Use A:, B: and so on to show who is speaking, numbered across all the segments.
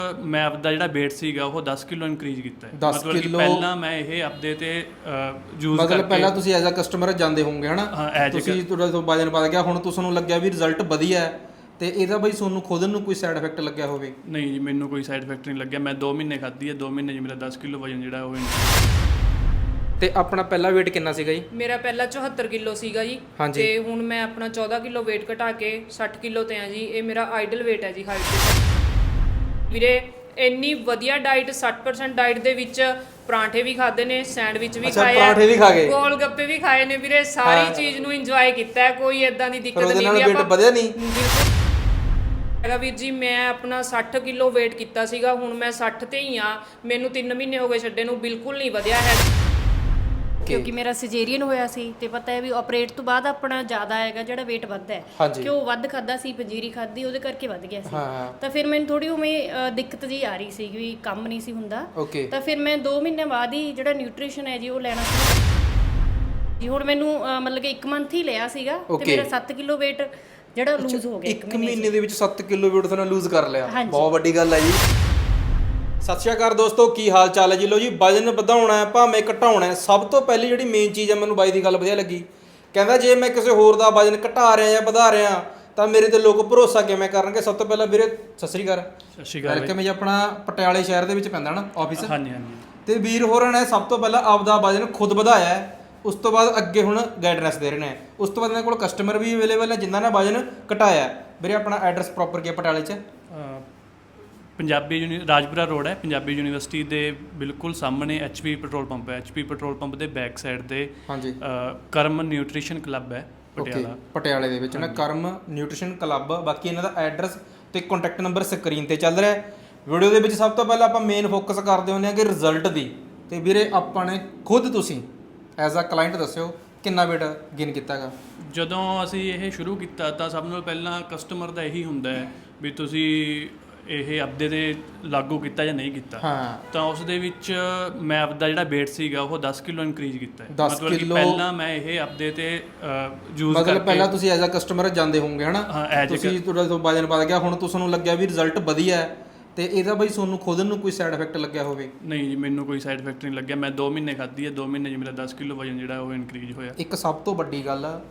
A: ਮੈਂ ਆਪਦਾ ਜਿਹੜਾ weight ਸੀਗਾ ਉਹ 10 ਕਿਲੋ ਇਨਕਰੀਜ਼ ਕੀਤਾ ਹੈ।
B: 10
A: ਮਤਲਬ ਕਿ
B: ਕਿੱਲੋ
A: ਪਹਿਲਾਂ ਮੈਂ ਇਹ ਆਪਦੇ ਤੇ ਯੂਜ਼
B: ਮਤਲਬ
A: ਕਰਕੇ
B: ਪਹਿਲਾਂ ਤੁਸੀਂ ਐਜ਼ ਅ ਕਸਟਮਰ ਜਾਂਦੇ ਹੋਵੋਗੇ ਹਨਾ, ਤੁਸੀਂ ਤੁਹਾਡਾ ਤੋਂ ਵਜਨ ਵੱਧ ਗਿਆ, ਹੁਣ ਤੁਹਾਨੂੰ ਲੱਗਿਆ ਵੀ ਰਿਜ਼ਲਟ ਵਧੀਆ ਹੈ, ਤੇ ਇਹਦਾ ਬਈ ਤੁਹਾਨੂੰ ਖੁਦ ਨੂੰ ਕੋਈ ਸਾਈਡ ਇਫੈਕਟ ਲੱਗਿਆ ਹੋਵੇ?
A: ਨਹੀਂ ਜੀ, ਮੈਨੂੰ ਕੋਈ ਸਾਈਡ ਇਫੈਕਟ ਨਹੀਂ ਲੱਗਿਆ। ਮੈਂ 2 ਮਹੀਨੇ ਖਾਧੀ ਹੈ, 2 ਮਹੀਨੇ 'ਚ ਮੇਰਾ 10 ਕਿਲੋ ਵਜਨ ਜਿਹੜਾ ਉਹ
B: ਤੇ ਆਪਣਾ ਪਹਿਲਾ weight ਕਿੰਨਾ ਸੀਗਾ ਜੀ?
C: ਮੇਰਾ ਪਹਿਲਾ 74 ਕਿਲੋ ਸੀਗਾ ਜੀ, ਤੇ ਹੁਣ ਮੈਂ ਆਪਣਾ 14 ਕਿਲੋ weight ਘਟਾ ਕੇ 60 ਕਿਲੋ ਤੇ ਆ ਜੀ। ਇਹ ਮੇਰਾ ਆਈਡਲ weight ਹੈ ਜੀ ਹਾਈਟ ਤੇ। ਵੀਰੇ ਇੰਨੀ ਵਧੀਆ ਡਾਈਟ, 60% ਡਾਈਟ ਦੇ ਵਿੱਚ ਪਰਾਂਠੇ ਵੀ ਖਾਦੇ ਨੇ, ਸੈਂਡਵਿਚ ਵੀ ਖਾਏ,
B: ਪਰਾਂਠੇ ਵੀ ਖਾ ਗਏ,
C: ਗੋਲ ਗੱਪੇ ਵੀ ਖਾਏ ਨੇ ਵੀਰੇ। ਸਾਰੀ ਚੀਜ਼ ਨੂੰ ਇੰਜੋਏ ਕੀਤਾ ਹੈ, ਕੋਈ ਇਦਾਂ ਦੀ ਦਿੱਕਤ ਨਹੀਂ
B: ਵੀ ਆਪਾਂ ਵਧਿਆ ਨਹੀਂ
C: ਹੈਗਾ ਵੀਰ ਜੀ। ਮੈਂ ਆਪਣਾ 60 ਕਿਲੋ weight ਕੀਤਾ ਸੀਗਾ, ਹੁਣ ਮੈਂ 60 ਤੇ ਹੀ ਆ। ਮੈਨੂੰ 3 ਮਹੀਨੇ ਹੋ ਗਏ ਛੱਡੇ ਨੂੰ, ਬਿਲਕੁਲ ਨਹੀਂ ਵਧਿਆ ਹੈ।
D: ਕਿਉਂਕਿ ਮੇਰਾ ਸਿਜੇਰੀਅਨ ਹੋਇਆ ਸੀ ਤੇ ਪਤਾ ਹੈ ਵੀ ਆਪਰੇਟ ਤੋਂ ਬਾਅਦ ਆਪਣਾ ਜ਼ਿਆਦਾ ਹੈਗਾ ਜਿਹੜਾ weight ਵੱਧਦਾ ਹੈ, ਕਿਉਂ ਵੱਧ ਖਾਦਾ ਸੀ, ਪੰਜੀਰੀ ਖਾਦੀ, ਉਹਦੇ ਕਰਕੇ ਵੱਧ ਗਿਆ ਸੀ। ਤਾਂ ਫਿਰ ਮੈਨੂੰ ਥੋੜੀ ਉਵੇਂ ਦਿੱਕਤ ਜੀ ਆ ਰਹੀ ਸੀ ਵੀ ਕੰਮ ਨਹੀਂ ਸੀ ਹੁੰਦਾ। ਤਾਂ ਫਿਰ ਮੈਂ 2 ਮਹੀਨੇ ਬਾਅਦ ਹੀ ਜਿਹੜਾ ਨਿਊਟ੍ਰੀਸ਼ਨ ਹੈ ਜੀ ਉਹ ਲੈਣਾ ਸੀ ਜੀ। ਹੁਣ ਮੈਨੂੰ ਮਤਲਬ ਕਿ 1 ਮੰਥ ਹੀ ਲਿਆ ਸੀਗਾ ਤੇ ਮੇਰਾ 7 ਕਿਲੋ weight ਜਿਹੜਾ ਲੂਜ਼ ਹੋ ਗਿਆ।
B: 1 ਮਹੀਨੇ ਦੇ ਵਿੱਚ 7 ਕਿਲੋ weight ਤੁਹਾਨੂੰ ਲੂਜ਼ ਕਰ ਲਿਆ, ਬਹੁਤ ਵੱਡੀ ਗੱਲ ਹੈ ਜੀ। ਸਤਿ ਸ਼੍ਰੀ ਅਕਾਲ ਦੋਸਤੋ, ਕੀ ਹਾਲ ਚਾਲ ਹੈ ਜੀ? ਲੋ ਜੀ, ਵਜਨ ਵਧਾਉਣਾ ਹੈ ਭਾਵੇਂ ਘਟਾਉਣਾ ਹੈ, ਸਭ ਤੋਂ ਪਹਿਲੀ ਜਿਹੜੀ ਮੇਨ ਚੀਜ਼ ਹੈ, ਮੈਨੂੰ ਬਾਈ ਦੀ ਗੱਲ ਵਧੀਆ ਲੱਗੀ। ਕਹਿੰਦਾ ਜੇ ਮੈਂ ਕਿਸੇ ਹੋਰ ਦਾ ਵਜਨ ਘਟਾ ਰਿਹਾ ਜਾਂ ਵਧਾ ਰਿਹਾ ਤਾਂ ਮੇਰੇ ਤੇ ਲੋਕ ਭਰੋਸਾ ਕਿਵੇਂ ਕਰਨਗੇ। ਸਭ ਤੋਂ ਪਹਿਲਾਂ ਵੀਰੇ ਸਤਿ ਸ਼੍ਰੀ ਅਕਾਲ।
A: ਸਤਿ ਸ਼੍ਰੀ ਅਕਾਲ।
B: ਵੈਲਕਮ ਜੀ। ਆਪਣਾ ਪਟਿਆਲੇ ਸ਼ਹਿਰ ਦੇ ਵਿੱਚ ਪੈਂਦਾ ਨਾ ਆਫਿਸ?
A: ਹਾਂਜੀ ਹਾਂਜੀ।
B: ਤੇ ਵੀਰ ਹੋਰਾਂ ਨੇ ਸਭ ਤੋਂ ਪਹਿਲਾਂ ਆਪਦਾ ਵਜਨ ਖੁਦ ਵਧਾਇਆ ਹੈ, ਉਸ ਤੋਂ ਬਾਅਦ ਅੱਗੇ ਹੁਣ ਗਾਈਡਨੈਸ ਦੇ ਰਹੇ ਨੇ। ਉਸ ਤੋਂ ਬਾਅਦ ਇਹਨਾਂ ਕੋਲ ਕਸਟਮਰ ਵੀ ਅਵੇਲੇਬਲ ਹੈ ਜਿਨ੍ਹਾਂ ਨੇ ਵਜਨ ਘਟਾਇਆ। ਵੀਰੇ ਆਪਣਾ ਐਡਰੈਸ ਪ੍ਰੋਪਰ ਕੀ ਹੈ ਪਟਿਆਲੇ 'ਚ?
A: ਪੰਜਾਬੀ ਰਾਜਪੁਰਾ ਰੋਡ ਹੈ, ਪੰਜਾਬੀ ਯੂਨੀਵਰਸਿਟੀ ਦੇ ਬਿਲਕੁਲ ਸਾਹਮਣੇ HP ਪੈਟਰੋਲ ਪੰਪ ਹੈ। HP ਪੈਟਰੋਲ ਪੰਪ ਦੇ ਬੈਕ ਸਾਈਡ ਤੇ
B: ਹਾਂਜੀ
A: ਕਰਮ ਨਿਊਟ੍ਰੀਸ਼ਨ ਕਲੱਬ ਹੈ ਪਟਿਆਲਾ।
B: ਪਟਿਆਲੇ ਦੇ ਵਿੱਚ ਨਾ ਕਰਮ ਨਿਊਟ੍ਰੀਸ਼ਨ ਕਲੱਬ। ਬਾਕੀ ਇਹਨਾਂ ਦਾ ਐਡਰੈਸ ਤੇ ਕੰਟੈਕਟ ਨੰਬਰ ਸਕਰੀਨ ਤੇ ਚੱਲ ਰਿਹਾ ਹੈ। ਵੀਡੀਓ ਦੇ ਵਿੱਚ ਸਭ ਤੋਂ ਪਹਿਲਾਂ ਆਪਾਂ ਮੇਨ ਫੋਕਸ ਕਰਦੇ ਹੁੰਦੇ ਹਾਂ ਕਿ ਰਿਜ਼ਲਟ ਦੀ। ਤੇ ਵੀਰੇ ਆਪਾਂ ਨੇ ਖੁਦ, ਤੁਸੀਂ ਐਜ਼ ਅ ਕਲਾਇੰਟ ਦੱਸਿਓ ਕਿੰਨਾ weight ਗੇਨ ਕੀਤਾ ਹੈਗਾ?
A: ਜਦੋਂ ਅਸੀਂ ਇਹ ਸ਼ੁਰੂ ਕੀਤਾ ਤਾਂ ਸਭ ਨਾਲੋਂ ਪਹਿਲਾਂ ਕਸਟਮਰ ਦਾ ਇਹੀ ਹੁੰਦਾ ਹੈ ਵੀ ਤੁਸੀਂ ਇਹ ਆਪਦੇ ਤੇ ਲਾਗੂ ਕੀਤਾ ਜਾਂ ਨਹੀਂ ਕੀਤਾ। ਤਾਂ ਉਸ ਦੇ ਵਿੱਚ ਮੈਂ ਆਪਦਾ ਜਿਹੜਾ weight ਸੀਗਾ ਉਹ 10 ਕਿਲੋ ਇਨਕਰੀਜ਼ ਕੀਤਾ ਹੈ। ਮਤਲਬ ਕਿ ਪਹਿਲਾਂ ਮੈਂ ਇਹ ਆਪਦੇ ਤੇ ਯੂਜ਼ ਕਰਕੇ,
B: ਮਤਲਬ ਪਹਿਲਾਂ ਤੁਸੀਂ ਐਜ਼ ਅ ਕਸਟਮਰ ਜਾਂਦੇ ਹੋਵੋਗੇ ਹਨਾ, ਤੁਸੀਂ ਤੁਹਾਡਾ ਤੋਂ ਵਜਨ ਵੱਧ ਗਿਆ, ਹੁਣ ਤੁਹਾਨੂੰ ਲੱਗਿਆ ਵੀ ਰਿਜ਼ਲਟ ਵਧੀਆ ਹੈ, ਤੇ ਇਹਦਾ ਬਈ ਤੁਹਾਨੂੰ ਖੁਦ ਨੂੰ ਕੋਈ ਸਾਈਡ ਇਫੈਕਟ ਲੱਗਿਆ ਹੋਵੇ?
A: ਨਹੀਂ ਜੀ, ਮੈਨੂੰ ਕੋਈ ਸਾਈਡ ਇਫੈਕਟ ਨਹੀਂ ਲੱਗਿਆ। ਮੈਂ 2 ਮਹੀਨੇ ਖਾਧੀ ਹੈ, 2 ਮਹੀਨੇ 'ਚ ਮੇਰਾ 10 ਕਿਲੋ ਵਜਨ ਜਿਹੜਾ ਉਹ ਇਨਕਰੀਜ਼ ਹੋਇਆ।
B: ਇੱਕ ਸਭ ਤੋਂ ਵੱਡੀ ਗੱਲ ਆ,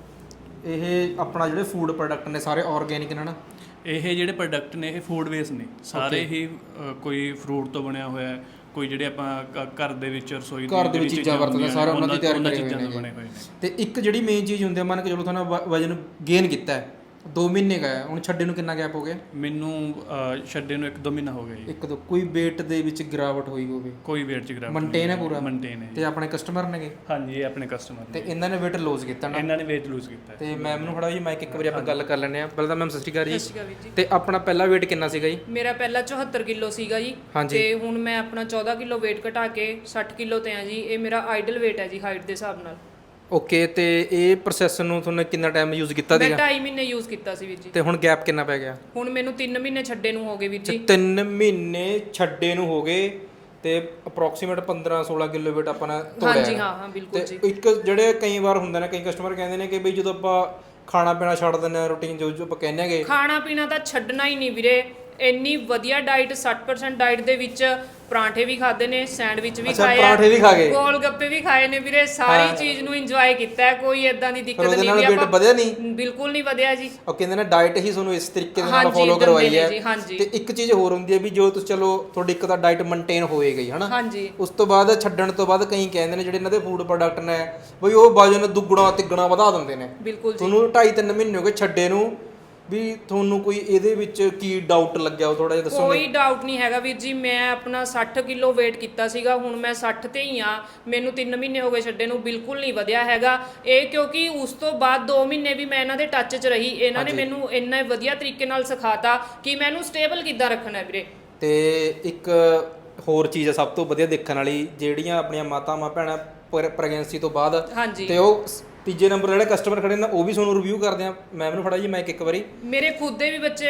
B: ਇਹ ਆਪਣਾ ਜਿਹੜੇ ਫੂਡ ਪ੍ਰੋਡਕਟ ਨੇ ਸਾਰੇ ਆਰਗੈਨਿਕ ਨੇ ਨਾ?
A: ਇਹ ਜਿਹੜੇ ਪ੍ਰੋਡਕਟ ਨੇ ਇਹ ਫੂਡ ਬੇਸ ਨੇ ਸਾਰੇ ਹੀ। ਕੋਈ ਫਰੂਟ ਤੋਂ ਬਣਿਆ ਹੋਇਆ ਹੈ, ਕੋਈ ਜਿਹੜੇ ਆਪਾਂ ਘਰ ਦੇ ਵਿੱਚ ਰਸੋਈ ਦੀ
B: ਚੀਜ਼ਾਂ ਵਰਤਦੇ ਸਾਰੇ ਉਹਨਾਂ ਦੀ ਤਿਆਰੀ ਕਰੀ ਹੋਈ ਨੇ। ਤੇ ਇੱਕ ਜਿਹੜੀ ਮੇਨ ਚੀਜ਼ ਹੁੰਦੀ ਹੈ, ਮੰਨ ਕੇ ਚਲੋ ਤੁਹਾਨੂੰ ਵਜਨ ਗੇਨ ਕੀਤਾ ਹੈ, 2 ਮਹੀਨੇ ਗਿਆ, ਹੁਣ ਛੱਡੇ ਨੂੰ ਕਿੰਨਾ ਗੈਪ ਹੋ ਗਿਆ?
A: ਮੈਨੂੰ ਛੱਡੇ ਨੂੰ 1-2 ਮਹੀਨਾ ਹੋ ਗਿਆ ਜੀ।
B: 1-2 ਕੋਈ weight ਦੇ ਵਿੱਚ ਗਿਰਾਵਟ ਹੋਈ ਹੋਵੇ?
A: ਕੋਈ weight 'ਚ ਗਿਰਾਵਟ
B: ਮੇਨਟੇਨ ਹੈ ਪੂਰਾ?
A: ਮੇਨਟੇਨ ਹੈ।
B: ਤੇ ਆਪਣੇ ਕਸਟਮਰ ਨੇਗੇ?
A: ਹਾਂਜੀ, ਇਹ ਆਪਣੇ ਕਸਟਮਰ
B: ਤੇ ਇਹਨਾਂ ਨੇ weight ਲੂਜ਼ ਕੀਤਾ ਨਾ?
A: ਇਹਨਾਂ ਨੇ weight ਲੂਜ਼ ਕੀਤਾ।
B: ਤੇ ਮੈਮ ਨੂੰ ਫੜਾ ਜੀ ਮਾਈਕ, ਇੱਕ ਵਾਰੀ ਆਪਾਂ ਗੱਲ ਕਰ ਲੈਂਦੇ ਆ। ਪਹਿਲਾਂ ਤਾਂ ਮੈਮ ਸਤਿ ਸ਼੍ਰੀ ਅਕਾਲ ਜੀ। ਤੇ ਆਪਣਾ ਪਹਿਲਾ weight ਕਿੰਨਾ ਸੀਗਾ ਜੀ?
C: ਮੇਰਾ ਪਹਿਲਾ 74 ਕਿਲੋ ਸੀਗਾ ਜੀ, ਤੇ ਹੁਣ ਮੈਂ ਆਪਣਾ 14 ਕਿਲੋ weight ਘਟਾ ਕੇ 60 ਕਿਲੋ ਤੇ ਆ ਜੀ। ਇਹ ਮੇਰਾ ਆਈਡਲ weight ਹੈ ਜੀ ਹਾਈਟ ਦੇ ਹਿਸਾਬ ਨਾਲ।
B: ਓਕੇ, ਤੇ ਇਹ ਪ੍ਰੋਸੈਸ ਨੂੰ ਤੁਹਾਨੂੰ ਕਿੰਨਾ ਟਾਈਮ ਯੂਜ਼ ਕੀਤਾ ਸੀਗਾ?
C: ਮੈਂ 2.5 ਮਹੀਨੇ ਯੂਜ਼ ਕੀਤਾ ਸੀ ਵੀਰ ਜੀ।
B: ਤੇ ਹੁਣ ਗੈਪ ਕਿੰਨਾ ਪੈ ਗਿਆ?
C: ਹੁਣ ਮੈਨੂੰ 3 ਮਹੀਨੇ ਛੱਡੇ ਨੂੰ ਹੋ ਗਏ ਵੀਰ ਜੀ।
B: 3 ਮਹੀਨੇ ਛੱਡੇ ਨੂੰ ਹੋ ਗਏ, ਤੇ ਅਪਰੋਕਸੀਮੇਟ 15-16 ਕਿਲੋ weight ਆਪਾਂ ਨੇ ਤੋੜਿਆ।
C: ਹਾਂਜੀ ਹਾਂ ਬਿਲਕੁਲ ਜੀ।
B: ਇੱਕ ਜਿਹੜੇ ਕਈ ਵਾਰ ਹੁੰਦੇ ਨੇ, ਕਈ ਕਸਟਮਰ ਕਹਿੰਦੇ ਨੇ ਕਿ ਬਈ ਜਦੋਂ ਆਪਾਂ ਖਾਣਾ ਪੀਣਾ ਛੱਡ ਦਿੰਦੇ ਆ, ਰੂਟੀਨ ਜੋ ਆਪਾਂ ਕਹਿੰਦੇ ਹੈਗੇ,
C: ਖਾਣਾ ਪੀਣਾ ਤਾਂ ਛੱਡਣਾ ਹੀ ਨਹੀਂ ਵੀਰੇ। ਇੰਨੀ ਵਧੀਆ ਡਾਈਟ, 60% ਡਾਈਟ ਦੇ ਵਿੱਚ ਪਰਾਂਠੇ ਵੀ ਖਾਦੇ ਨੇ, ਸੈਂਡਵਿਚ ਵੀ ਖਾਏ,
B: ਪਰਾਂਠੇ ਵੀ ਖਾ ਗਏ,
C: ਗੋਲ ਗੱਪੇ ਵੀ ਖਾਏ ਨੇ ਵੀਰੇ। ਸਾਰੀ ਚੀਜ਼ ਨੂੰ ਇੰਜੋਏ ਕੀਤਾ ਹੈ, ਕੋਈ ਇਦਾਂ ਦੀ ਦਿੱਕਤ ਨਹੀਂ ਵੀ
B: ਆਪਾਂ ਵਧਿਆ ਨਹੀਂ,
C: ਬਿਲਕੁਲ ਨਹੀਂ ਵਧਿਆ ਜੀ।
B: ਉਹ ਕਹਿੰਦੇ ਨੇ ਡਾਈਟ ਹੀ ਤੁਹਾਨੂੰ ਇਸ ਤਰੀਕੇ ਦੇ ਨਾਲ ਫੋਲੋ ਕਰਵਾਈ ਹੈ। ਤੇ ਇੱਕ ਚੀਜ਼ ਹੋਰ ਹੁੰਦੀ ਹੈ ਵੀ ਜੋ ਤੁਸੀਂ ਚਲੋ ਤੁਹਾਡੀ ਇੱਕ ਤਾਂ ਡਾਈਟ ਮੇਨਟੇਨ ਹੋਏ ਗਈ ਹਨਾ, ਉਸ ਤੋਂ ਬਾਅਦ ਛੱਡਣ ਤੋਂ ਬਾਅਦ ਕਈ ਕਹਿੰਦੇ ਨੇ ਜਿਹੜੇ ਇਹਨਾਂ ਦੇ ਫੂਡ ਪ੍ਰੋਡਕਟ ਨੇ ਬਈ ਉਹ ਵਜਨ ਦੁੱਗਣਾ ਤਿੱਗਣਾ ਵਧਾ ਦਿੰਦੇ ਨੇ।
C: ਬਿਲਕੁਲ
B: ਤੁਹਾਨੂੰ 2.5-3 ਮਹੀਨੇ ਹੋ ਗਏ ਛੱਡੇ ਨੂੰ, ਵੀ ਤੁਹਾਨੂੰ ਕੋਈ ਇਹਦੇ ਵਿੱਚ ਕੀ ਡਾਊਟ ਲੱਗਿਆ ਉਹ ਥੋੜਾ ਜਿਹਾ ਦੱਸੋਗੇ?
C: ਕੋਈ ਡਾਊਟ ਨਹੀਂ ਹੈਗਾ ਵੀਰ ਜੀ। ਮੈਂ ਆਪਣਾ 60 ਕਿਲੋ weight ਕੀਤਾ ਸੀਗਾ, ਹੁਣ ਮੈਂ 60 ਤੇ ਹੀ ਆ। ਮੈਨੂੰ 3 ਮਹੀਨੇ ਹੋ ਗਏ ਛੱਡੇ ਨੂੰ, ਬਿਲਕੁਲ ਨਹੀਂ ਵਧਿਆ ਹੈਗਾ ਇਹ। ਕਿਉਂਕਿ ਉਸ ਤੋਂ ਬਾਅਦ 2 ਮਹੀਨੇ ਵੀ ਮੈਂ ਇਹਨਾਂ ਦੇ ਟੱਚ 'ਚ ਰਹੀ। ਇਹਨਾਂ ਨੇ ਮੈਨੂੰ ਇੰਨਾ ਵਧੀਆ ਤਰੀਕੇ ਨਾਲ ਸਿਖਾਤਾ ਕਿ ਮੈਨੂੰ ਸਟੇਬਲ ਕਿੱਦਾਂ ਰੱਖਣਾ ਵੀਰੇ।
B: ਤੇ ਇੱਕ ਹੋਰ ਚੀਜ਼ ਹੈ ਸਭ ਤੋਂ ਵਧੀਆ ਦੇਖਣ ਵਾਲੀ, ਜਿਹੜੀਆਂ ਆਪਣੀਆਂ ਮਾਤਾਵਾਂ ਭੈਣਾਂ ਪ੍ਰੈਗਨੈਂਸੀ ਤੋਂ ਬਾਅਦ, ਤੇ ਉਹ ਤੀਜੇ ਨੰਬਰ ਜਿਹੜੇ ਕਸਟਮਰ ਖੜੇ ਨੇ ਉਹ ਵੀ ਤੁਹਾਨੂੰ ਰਿਵਿਊ ਕਰਦੇ ਆ। ਮੈਮ ਨੂੰ ਫੜਾ ਜੀ ਮੈਂ ਇੱਕ ਵਾਰੀ।
C: ਮੇਰੇ ਖੁਦ ਦੇ ਵੀ ਬੱਚੇ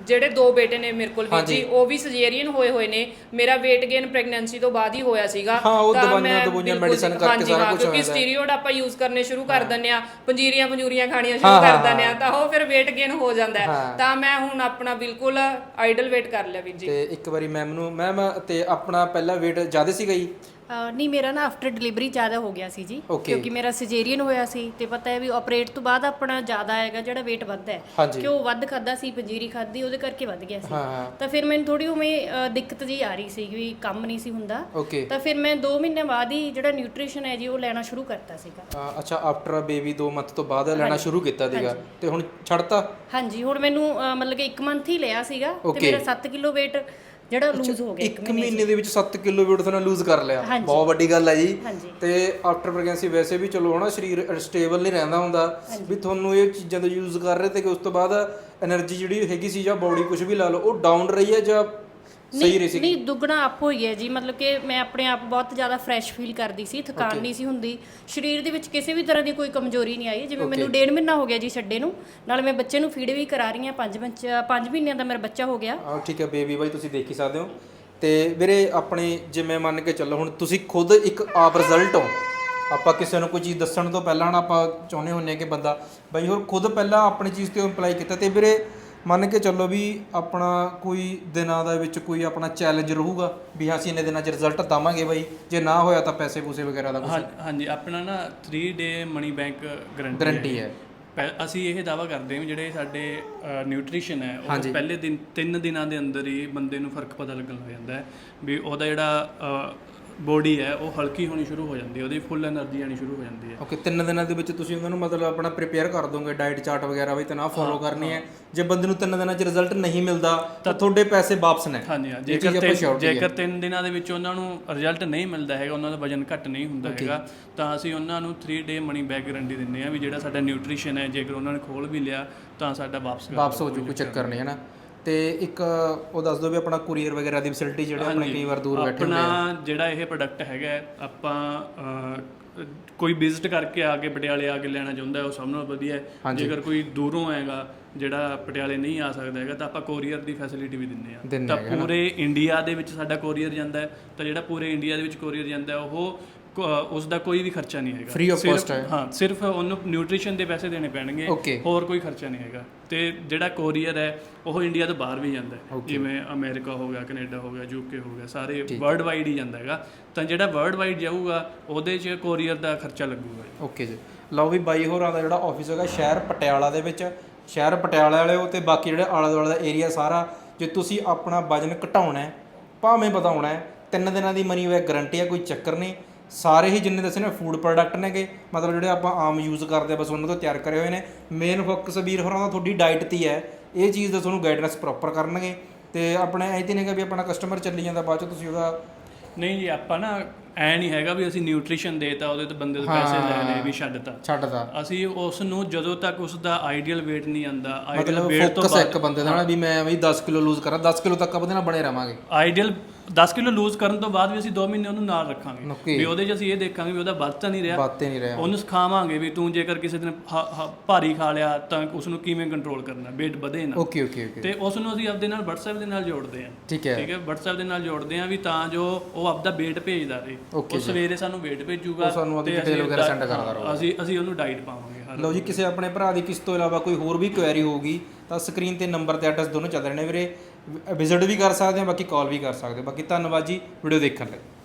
C: ਜਿਹੜੇ 2 ਬੇਟੇ ਨੇ ਮੇਰੇ ਕੋਲ ਵੀਰ ਜੀ, ਉਹ ਵੀ ਸਰਜਰੀਅਨ ਹੋਏ ਨੇ। ਮੇਰਾ weight gain ਪ੍ਰੈਗਨੈਂਸੀ ਤੋਂ ਬਾਅਦ ਹੀ ਹੋਇਆ ਸੀਗਾ।
B: ਤਾਂ ਮੈਂ ਮੈਡੀਸਨ ਕਰਕੇ ਸਾਰਾ ਕੁਝ
C: ਕਿਉਂਕਿ ਸਟੀਰੋਇਡ ਆਪਾਂ ਯੂਜ਼ ਕਰਨੇ ਸ਼ੁਰੂ ਕਰ ਦਿੰਦੇ ਆ, ਪੰਜੀਰੀਆਂ ਖਾਣੀਆਂ ਸ਼ੁਰੂ ਕਰ ਦਿੰਦੇ ਆ, ਤਾਂ ਉਹ ਫਿਰ weight gain ਹੋ ਜਾਂਦਾ ਹੈ। ਤਾਂ ਮੈਂ ਹੁਣ ਆਪਣਾ ਬਿਲਕੁਲ ਆਈਡਲ weight ਕਰ ਲਿਆ ਵੀਰ ਜੀ।
B: ਤੇ ਇੱਕ ਵਾਰੀ ਮੈਮ ਤੇ ਆਪਣਾ ਪਹਿਲਾ weight ਜ਼ਿਆਦਾ ਸੀਗਾ ਜੀ?
D: ਨਹੀਂ, ਮੇਰਾ ਨਾ ਆਫਟਰ ਡਿਲੀਵਰੀ ਜ਼ਿਆਦਾ ਹੋ ਗਿਆ ਸੀ ਜੀ, ਕਿਉਂਕਿ ਮੇਰਾ ਸਰਜਰੀਅਨ ਹੋਇਆ ਸੀ ਤੇ ਪਤਾ ਹੈ ਵੀ ਆਪਰੇਟ ਤੋਂ ਬਾਅਦ ਆਪਣਾ ਜ਼ਿਆਦਾ ਆਏਗਾ ਜਿਹੜਾ weight ਵੱਧਦਾ ਹੈ, ਕਿਉਂ ਵੱਧ ਖਾਦਾ ਸੀ, ਪੰਜੀਰੀ ਖਾਦੀ, ਉਹਦੇ ਕਰਕੇ ਵੱਧ ਗਿਆ ਸੀ। ਤਾਂ ਫਿਰ ਮੈਨੂੰ ਥੋੜੀ ਉਵੇਂ ਦਿੱਕਤ ਜੀ ਆ ਰਹੀ ਸੀ ਵੀ ਕੰਮ ਨਹੀਂ ਸੀ ਹੁੰਦਾ। ਤਾਂ ਫਿਰ ਮੈਂ 2 ਮਹੀਨੇ ਬਾਅਦ ਹੀ ਜਿਹੜਾ ਨਿਊਟ੍ਰੀਸ਼ਨ ਹੈ ਜੀ ਉਹ ਲੈਣਾ ਸ਼ੁਰੂ ਕਰਤਾ ਸੀਗਾ।
B: ਅੱਛਾ, ਆਫਟਰ ਬੇਬੀ 2 ਮੰਥ ਤੋਂ ਬਾਅਦ ਲੈਣਾ ਸ਼ੁਰੂ ਕੀਤਾ ਸੀਗਾ ਤੇ ਹੁਣ ਛੱਡਤਾ?
D: ਹਾਂਜੀ, ਹੁਣ ਮੈਨੂੰ ਮਤਲਬ ਕਿ 1 ਮੰਥ ਹੀ ਲਿਆ ਸੀਗਾ ਤੇ ਮੇਰਾ 7 ਕਿਲੋ weight ਜਿਹੜਾ ਲੂਜ਼ ਹੋ ਗਿਆ।
B: 1 ਮਹੀਨੇ ਦੇ ਵਿੱਚ 7 ਕਿਲੋ weight ਤੁਹਾਨੂੰ ਲੂਜ਼ ਕਰ ਲਿਆ, ਬਹੁਤ ਵੱਡੀ ਗੱਲ ਹੈ ਜੀ। ਤੇ ਆਫਟਰ ਪ੍ਰੈਗਨੈਂਸੀ ਵੈਸੇ ਵੀ ਚਲੋ ਹਨਾ ਸਰੀਰ ਸਟੇਬਲ ਨਹੀਂ ਰਹਿੰਦਾ ਹੁੰਦਾ, ਵੀ ਤੁਹਾਨੂੰ ਇਹ ਚੀਜ਼ਾਂ ਤੋਂ ਯੂਜ਼ ਕਰ ਰਹੇ ਤੇ ਕਿ ਉਸ ਤੋਂ ਬਾਅਦ એનર્ਜੀ ਜਿਹੜੀ ਹੈਗੀ ਸੀ ਜਾਂ ਬਾਡੀ ਕੁਝ ਵੀ ਲਾ ਲਓ ਉਹ ਡਾਊਨ ਰਹੀ ਹੈ ਜਾਂ ਸਹੀ ਰਹੀ ਸੀ?
D: ਨਹੀਂ, ਦੁੱਗਣਾ ਅਪ ਹੋਈ ਹੈ ਜੀ। ਮਤਲਬ ਕਿ ਮੈਂ ਆਪਣੇ ਆਪ ਬਹੁਤ ਜ਼ਿਆਦਾ ਫਰੈਸ਼ ਫੀਲ ਕਰਦੀ ਸੀ, ਥਕਾਨ ਨਹੀਂ ਸੀ ਹੁੰਦੀ, ਸਰੀਰ ਦੇ ਵਿੱਚ ਕਿਸੇ ਵੀ ਤਰ੍ਹਾਂ ਦੀ ਕੋਈ ਕਮਜ਼ੋਰੀ ਨਹੀਂ ਆਈ। ਜਿਵੇਂ ਮੈਨੂੰ 1.5 ਮਹੀਨਾ ਹੋ ਗਿਆ ਜੀ ਛੱਡੇ ਨੂੰ, ਨਾਲ ਮੈਂ ਬੱਚੇ ਨੂੰ ਫੀਡ ਵੀ ਕਰਾ ਰਹੀ ਹਾਂ, 5 ਮਹੀਨਿਆਂ ਦਾ ਮੇਰਾ ਬੱਚਾ ਹੋ ਗਿਆ।
B: ਠੀਕ ਹੈ ਬੇਬੀ ਬਾਈ, ਤੁਸੀਂ ਦੇਖ ਹੀ ਸਕਦੇ ਹੋ। ਤੇ ਵੀਰੇ ਆਪਣੇ ਜਿਵੇਂ ਮੰਨ ਕੇ ਚੱਲੋ ਹੁਣ ਤੁਸੀਂ ਖੁਦ ਇੱਕ ਆਪ ਰਿਜ਼ਲਟ ਹੋ, ਆਪਾਂ ਕਿਸੇ ਨੂੰ ਕੋਈ ਚੀਜ਼ ਦੱਸਣ ਤੋਂ ਪਹਿਲਾਂ ਨਾ ਆਪਾਂ ਚਾਹੁੰਦੇ ਹੁੰਦੇ ਕਿ ਬੰਦਾ ਬਾਈ ਹੋਰ ਖੁਦ ਪਹਿਲਾਂ ਆਪਣੀ ਚੀਜ਼ ਤੇ ਅਪਲਾਈ ਕੀਤਾ। ਤੇ ਵੀਰੇ ਮੰਨ ਕੇ ਚੱਲੋ ਵੀ ਆਪਣਾ ਕੋਈ ਦਿਨਾਂ ਦੇ ਵਿੱਚ ਕੋਈ ਆਪਣਾ ਚੈਲੰਜ ਰਹੂਗਾ ਵੀ ਅਸੀਂ ਇੰਨੇ ਦਿਨਾਂ 'ਚ ਰਿਜ਼ਲਟ ਦਵਾਂਗੇ ਬਾਈ, ਜੇ ਨਾ ਹੋਇਆ ਤਾਂ ਪੈਸੇ ਪੂਸੇ ਵਗੈਰਾ ਦਾ ਕੁਝ?
A: ਹਾਂਜੀ, ਆਪਣਾ ਨਾ 3 ਡੇ ਮਨੀ ਬੈਂਕ
B: ਗਰੰਟੀ ਹੈ।
A: ਅਸੀਂ ਇਹ ਦਾਵਾ ਕਰਦੇ ਹਾਂ ਵੀ ਜਿਹੜੇ ਸਾਡੇ ਨਿਊਟ੍ਰੀਸ਼ਨ ਹੈ ਉਹ ਪਹਿਲੇ 3 ਦਿਨਾਂ ਦੇ ਅੰਦਰ ਹੀ ਬੰਦੇ ਨੂੰ ਫਰਕ ਪਤਾ ਲੱਗਣ ਲੱਗ ਜਾਂਦਾ ਹੈ ਵੀ ਉਹਦਾ ਜਿਹੜਾ ਬੋਡੀ ਹੈ ਉਹ ਹਲਕੀ ਹੋਣੀ ਸ਼ੁਰੂ ਹੋ ਜਾਂਦੀ ਹੈ, ਉਹਦੀ ਫੁੱਲ એનર્ਜੀ ਆਣੀ ਸ਼ੁਰੂ ਹੋ ਜਾਂਦੀ ਹੈ।
B: 3 ਦਿਨਾਂ ਦੇ ਵਿੱਚ ਤੁਸੀਂ ਉਹਨਾਂ ਨੂੰ ਮਤਲਬ ਆਪਣਾ ਪ੍ਰੀਪੇਅਰ ਕਰ ਦੋਗੇ, ਡਾਈਟ ਚਾਰਟ ਵਗੈਰਾ ਵੀ ਤਾਂ ਨਾ ਫੋਲੋ ਕਰਨੀ ਹੈ। ਜੇ ਬੰਦੇ ਨੂੰ 3 ਦਿਨਾਂ 'ਚ ਰਿਜ਼ਲਟ ਨਹੀਂ ਮਿਲਦਾ ਤਾਂ ਤੁਹਾਡੇ ਪੈਸੇ ਵਾਪਸ ਨੇ?
A: ਹਾਂਜੀ, ਜੇਕਰ 3 ਦਿਨਾਂ ਦੇ ਵਿੱਚ ਉਹਨਾਂ ਨੂੰ ਰਿਜ਼ਲਟ ਨਹੀਂ ਮਿਲਦਾ ਹੈਗਾ, ਉਹਨਾਂ ਦਾ ਵਜਨ ਘੱਟ ਨਹੀਂ ਹੁੰਦਾ ਹੈਗਾ, ਤਾਂ ਅਸੀਂ ਉਹਨਾਂ ਨੂੰ 3 ਡੇ ਮਨੀ ਬੈਕ ਗਰੰਟੀ ਦਿੰਦੇ ਹਾਂ ਵੀ ਜਿਹੜਾ ਸਾਡਾ ਨਿਊਟ੍ਰੀਸ਼ਨ ਹੈ ਜੇਕਰ ਉਹਨਾਂ ਨੇ ਖੋਲ ਵੀ ਲਿਆ ਤਾਂ ਸਾਡਾ ਵਾਪਸ ਹੋ ਜੂ, ਕੋਈ ਚੱਕਰ ਨਹੀਂ ਹੈ ਨਾ। ਤੇ ਇੱਕ ਉਹ ਦੱਸ ਦਿਓ ਵੀ ਆਪਣਾ ਕੁਰੀਅਰ ਵਗੈਰਾ ਦੀ ਫੈਸਿਲਿਟੀ ਜਿਹੜੇ ਆਪਣੇ ਕਈ ਵਾਰ ਦੂਰ ਬੈਠੇ ਹੁੰਦੇ ਆ। ਆਪਣਾ ਜਿਹੜਾ ਇਹ ਪ੍ਰੋਡਕਟ ਹੈਗਾ ਆਪਾਂ ਕੋਈ ਵਿਜ਼ਿਟ ਕਰਕੇ ਆ ਕੇ ਪਟਿਆਲੇ ਆ ਕੇ ਲੈਣਾ ਚਾਹੁੰਦਾ ਉਹ ਸਭ ਨਾਲੋਂ ਵਧੀਆ ਹੈ। ਜੇਕਰ ਕੋਈ ਦੂਰੋਂ ਆਏਗਾ ਜਿਹੜਾ ਪਟਿਆਲੇ ਨਹੀਂ ਆ ਸਕਦਾ ਹੈਗਾ ਤਾਂ ਆਪਾਂ ਕੋਰੀਅਰ ਦੀ ਫੈਸਿਲਿਟੀ ਵੀ ਦਿੰਦੇ ਆ। ਤਾਂ ਪੂਰੇ ਇੰਡੀਆ ਦੇ ਵਿੱਚ ਸਾਡਾ ਕੋਰੀਅਰ ਜਾਂਦਾ ਹੈ, ਤਾਂ ਜਿਹੜਾ ਪੂਰੇ ਇੰਡੀਆ ਦੇ ਵਿੱਚ ਕੋਰੀਅਰ ਜਾਂਦਾ ਉਹ ਉਸ ਦਾ ਕੋਈ ਵੀ ਖਰਚਾ ਨਹੀਂ ਹੈਗਾ,
B: ਫ੍ਰੀ ਆਫ ਕਾਸਟ ਹੈ।
A: ਹਾਂ, ਸਿਰਫ ਉਹਨੂੰ ਨਿਊਟ੍ਰੀਸ਼ਨ ਦੇ ਪੈਸੇ ਦੇਣੇ ਪੈਣਗੇ, ਹੋਰ ਕੋਈ ਖਰਚਾ ਨਹੀਂ ਹੈਗਾ। ਤੇ ਜਿਹੜਾ ਕੋਰੀਅਰ ਹੈ ਉਹ ਇੰਡੀਆ ਤੋਂ ਬਾਹਰ ਵੀ ਜਾਂਦਾ ਹੈ, ਜਿਵੇਂ ਅਮਰੀਕਾ ਹੋ ਗਿਆ, ਕੈਨੇਡਾ ਹੋ ਗਿਆ, ਯੂਕੇ ਹੋ ਗਿਆ, ਸਾਰੇ ਵਰਲਡ ਵਾਈਡ ਹੀ ਜਾਂਦਾ ਹੈਗਾ। ਤਾਂ ਜਿਹੜਾ ਵਰਲਡ ਵਾਈਡ ਜਾਊਗਾ ਉਹਦੇ 'ਚ ਕੋਰੀਅਰ ਦਾ ਖਰਚਾ ਲੱਗੂਗਾ।
B: ਓਕੇ ਜੀ, ਲਓ ਵੀ ਬਾਈ ਹੋਰਾਂ ਦਾ ਜਿਹੜਾ ਆਫਿਸ ਹੈਗਾ ਸ਼ਹਿਰ ਪਟਿਆਲਾ ਦੇ ਵਿੱਚ, ਸ਼ਹਿਰ ਪਟਿਆਲਾ ਵਾਲੇ ਉਹ ਤੇ ਬਾਕੀ ਜਿਹੜੇ ਆਲੇ ਦੁਆਲੇ ਦਾ ਏਰੀਆ ਸਾਰਾ, ਜੇ ਤੁਸੀਂ ਆਪਣਾ ਵਜਨ ਘਟਾਉਣਾ ਹੈ ਭਾਵੇਂ ਵਧਾਉਣਾ ਹੈ 3 ਦਿਨਾਂ ਦੀ ਮਨੀ ਬੈਕ ਗਰੰਟੀ ਹੈ, ਕੋਈ ਚੱਕਰ ਨਹੀਂ। ਸਾਰੇ ਹੀ ਜਿੰਨੇ ਦੱਸੇ ਨੇ ਫੂਡ ਪ੍ਰੋਡਕਟ ਨੇਗੇ, ਮਤਲਬ ਜਿਹੜੇ ਆਪਾਂ ਆਮ ਯੂਜ਼ ਕਰਦੇ ਆ ਬਸ ਉਹਨਾਂ ਤੋਂ ਤਿਆਰ ਕਰੇ ਹੋਏ ਨੇ। ਮੇਨ ਫੋਕਸ ਵੀਰ ਹੋਰਾਂ ਦਾ ਤੁਹਾਡੀ ਡਾਈਟ 'ਤੇ ਹੈ, ਇਹ ਚੀਜ਼ ਦਾ ਤੁਹਾਨੂੰ ਗਾਈਡੈਂਸ ਪ੍ਰੋਪਰ ਕਰਨਗੇ। ਤੇ ਆਪਣੇ ਐਂ ਤੇ ਨਹੀਂਗਾ ਵੀ ਆਪਣਾ ਕਸਟਮਰ ਚੱਲੀ ਜਾਂਦਾ ਬਾਅਦ 'ਚ ਤੁਸੀਂ ਉਹਦਾ
A: ਨਹੀਂ ਜੀ, ਆਪਾਂ ਨਾ ਐ ਨਹੀਂ ਹੈਗਾ ਵੀ ਅਸੀਂ ਨਿਊਟ੍ਰੀਸ਼ਨ ਦੇਤਾ ਉਹਦੇ ਤੋਂ ਬੰਦੇ ਤੋਂ ਪੈਸੇ ਲੈ ਲਏ ਵੀ ਛੱਡਤਾ। ਅਸੀਂ ਉਸ ਨੂੰ ਜਦੋਂ ਤੱਕ ਉਸ ਦਾ ਆਈਡੀਅਲ weight ਨਹੀਂ ਆਂਦਾ, ਆਈਡੀਅਲ weight ਤੋਂ
B: ਬਾਅਦ ਇੱਕ ਬੰਦੇ ਦਾ ਨਾ ਵੀ ਮੈਂ ਵੀ 10 ਕਿਲੋ ਲੂਜ਼ ਕਰਾਂ, 10 ਕਿਲੋ ਤੱਕ ਉਹਦੇ ਨਾਲ ਬਣੇ ਰਵਾਂਗੇ।
A: ਆਈਡੀਅਲ 10 ਕਿਲੋ ਲੂਜ਼ ਕਰਨ ਤੋਂ ਬਾਅਦ ਵੀ ਅਸੀਂ 2 ਮਹੀਨੇ ਉਹਨੂੰ ਨਾਲ ਰੱਖਾਂਗੇ ਵੀ ਉਹਦੇ 'ਚ ਅਸੀਂ ਇਹ ਦੇਖਾਂਗੇ ਵੀ ਉਹਦਾ ਵੱਧ ਤਾਂ ਨਹੀਂ ਰਿਹਾ, ਉਹਨੂੰ ਸਿਖਾਵਾਂਗੇ ਵੀ ਤੂੰ ਜੇਕਰ ਕਿਸੇ ਦਿਨ ਭਾਰੀ ਖਾ ਲਿਆ ਤਾਂ ਉਸ ਨੂੰ ਕਿਵੇਂ ਕੰਟਰੋਲ ਕਰਨਾ, weight ਵਧੇ ਨਾ।
B: ਓਕੇ ਤੇ
A: ਉਸ ਨੂੰ ਅਸੀਂ ਆਪਦੇ ਨਾਲ WhatsApp ਦੇ ਨਾਲ ਜੋੜਦੇ ਹਾਂ।
B: ਠੀਕ ਹੈ
A: WhatsApp ਦੇ ਨਾਲ ਜੋੜਦੇ ਹਾਂ ਵੀ ਤਾਂ ਜੋ ਉਹ ਆਪਦਾ weight ਭੇਜਦਾ ਰਹੇ, ਉਹ ਸਵੇਰੇ ਸਾਨੂੰ weight ਭੇਜੂਗਾ ਤੇ ਅਸੀਂ ਉਹਨੂੰ ਡਾਈਟ ਪਾਵਾਂਗੇ।
B: ਲਓ ਜੀ, ਕਿਸੇ ਆਪਣੇ ਭਰਾ ਦੀ ਕਿਸ ਤੋਂ ਇਲਾਵਾ ਕੋਈ ਹੋਰ ਵੀ ਕੁਐਰੀ ਹੋਊਗੀ ਤਾਂ ਸਕਰੀਨ ਤੇ ਨੰਬਰ ਤੇ ਐਡਰੈਸ ਦੋਨੋਂ ਚੱਲ ਰਹੇ ਨੇ ਵੀਰੇ, ਵਿਜ਼ਿਟ ਵੀ ਕਰ ਸਕਦੇ ਹੋ, ਬਾਕੀ ਕਾਲ ਵੀ ਕਰ ਸਕਦੇ ਹੋ। ਬਾਕੀ ਧੰਨਵਾਦ ਜੀ ਵੀਡੀਓ ਦੇਖਣ ਲਈ।